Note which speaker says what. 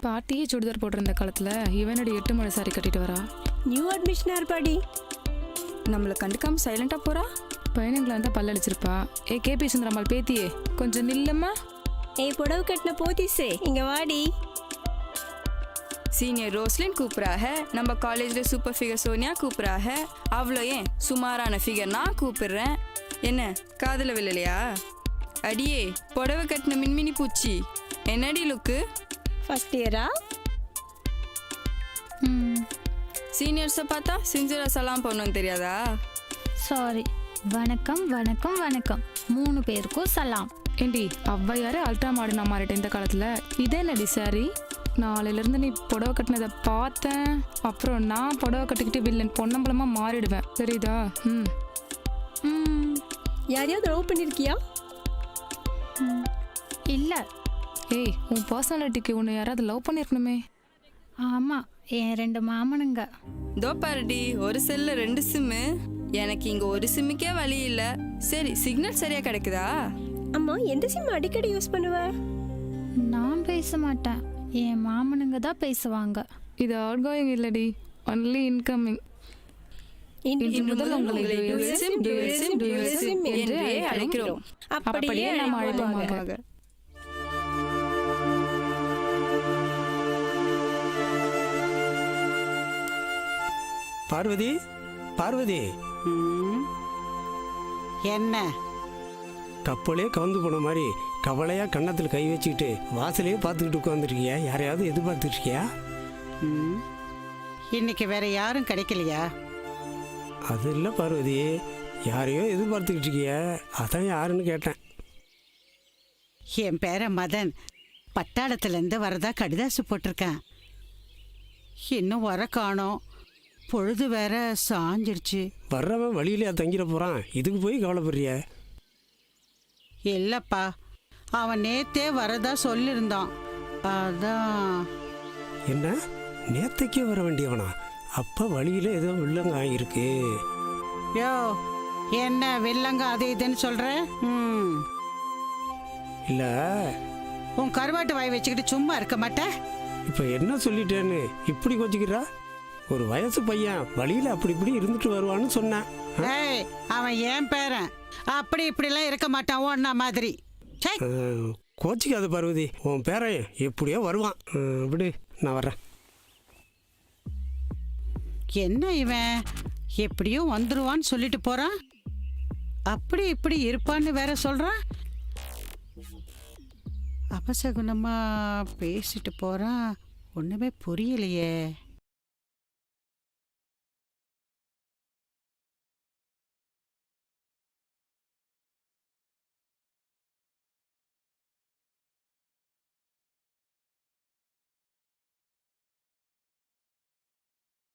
Speaker 1: பாட்டியே சுடிதார் போட்டிருந்த காலத்துல இவனோட 8 மணி சாரி கட்டிட்டு வரா.
Speaker 2: நியூ அட்மிஷனா இருப்பாடி.
Speaker 3: நம்மளை கண்டுக்காம சைலண்டா போறா.
Speaker 1: பையனுங்களை இருந்தா பல்லடிச்சிருப்பா. கேபி சுந்தரம்மாள் பேத்தியே கொஞ்சம் நில்லுமா.
Speaker 2: ஏய் புடவை கட்டின போத்திஸே இங்க வாடி.
Speaker 3: சீனியர் ரோஸ்லின் கூப்பிட்றாக, நம்ம காலேஜ்ல சூப்பர் ஃபிகர் சோனியா கூப்பிட்றாக. அவ்வளோ ஏன் சுமாரான ஃபிகர் நான் கூப்பிடுறேன். என்ன காதல விழலையா? அடியே புடவை கட்டின மின்மினி பூச்சி, என்னடி லுக்கு?
Speaker 2: ஃபர்ஸ்ட் இயரா?
Speaker 3: சீனியர்ஸை பார்த்தா சின்சியரா சலாம் பண்ணணும்னு தெரியாதா?
Speaker 4: சாரி. வணக்கம் வணக்கம் வணக்கம். 3 பேருக்கும் சலாம்.
Speaker 1: ஏண்டி அவ்வையாரு அல்ட்ரா மாடர்னா மாறிட்ட இந்த காலத்துல. இதே நடி சாரி. நாளையில இருந்து நீ புடவை கட்டினதை பார்த்தேன், அப்புறம் நான் புடவை கட்டிக்கிட்டு வில்லன் பொன்னம்பலமா மாறிடுவேன், தெரியுதா?
Speaker 2: யாரையாவது லவ் பண்ணிருக்கியா?
Speaker 4: இல்லை.
Speaker 1: ஏய், உன் பர்சனாலிட்டிக்கு உன்னை யாராவது லவ் பண்ணிருக்கணுமே.
Speaker 4: ஆமாம், என் 2 மாமனுங்க.
Speaker 3: தோ பாருடி, ஒரு செல்ல 2 சிம்மு. எனக்கு இங்க ஒரு சிம்முக்கே வழி இல்ல. சரி, சிக்னல் சரியா கிடைக்குதா?
Speaker 2: அம்மா எந்த சிம் அடிக்கடி யூஸ் பண்ணுவ?
Speaker 4: நான் பேச மாட்டேன், என் மாமனுங்க தான் பேசுவாங்க.
Speaker 1: இது அவுட் கோயிங் இல்லடி, ஒன்லி இன்கமிங். இன்று முதல் உங்களை dual SIM என்றே அழைக்கிறோம். அப்படியே நாம் அழைப்போமாக.
Speaker 5: பார்வதி, பார்வதி,
Speaker 6: என்ன
Speaker 5: கப்பலே கவுந்து போன மாதிரி கவலையா கன்னத்தில் கை வச்சுக்கிட்டு வாசலையே பார்த்துக்கிட்டு உட்காந்துருக்கியா? யாரையாவது எதிர்பார்த்துட்டு இருக்கியா?
Speaker 6: இன்னைக்கு வேற யாரும் கிடைக்கலையா?
Speaker 5: அது இல்லை பார்வதி, யாரையோ எதிர்பார்த்துக்கிட்டு இருக்கியா, அதான் யாருன்னு கேட்டேன்.
Speaker 6: என் பேரன் மதன் பட்டாளத்துலேருந்து வரதா கடிதாசு போட்டிருக்கேன். இன்னும் வர காணோம். பொழுது வேற சாஞ்சிருச்சு.
Speaker 5: வர்றவன் வழியிலே தங்கிட போகிறான், இதுக்கு போய் கவலைப்படுறிய?
Speaker 6: இல்லைப்பா, அவன் நேத்தே வரதா சொல்லியிருந்தான். அதான்.
Speaker 5: என்ன, நேத்தைக்கே வர வேண்டியவனா? அப்போ வழியில் ஏதோ வில்லங்க ஆகியிருக்கு.
Speaker 6: யோ, என்ன வில்லங்க அது இதுன்னு சொல்கிற?
Speaker 5: இல்லை,
Speaker 6: உன் கருவாட்டு வாய் வச்சுக்கிட்டு சும்மா இருக்க மாட்டேன்.
Speaker 5: இப்போ என்ன சொல்லிட்டேன்னு இப்படி கொச்சிக்கிறா? ஒரு வயசு பையன் வழியில் அப்படி இப்படி இருந்துட்டு வருவான்னு சொன்னேன்.
Speaker 6: ஏய், அவன் ஏன் பேரன், அப்படி இப்படிலாம் இருக்க மாட்டான் ஒன்னா மாதிரி.
Speaker 5: கோச்சிக்காத பார்வதி, உன் பேரன் எப்படியோ வருவான். விடு, நான் வர்றேன்.
Speaker 6: என்ன இவன் எப்படியோ வந்துருவான்னு சொல்லிட்டு போறான், அப்படி இப்படி இருப்பான்னு வேற சொல்றான். அபசகுணமா பேசிட்டு போறான், ஒண்ணுமே புரியலையே.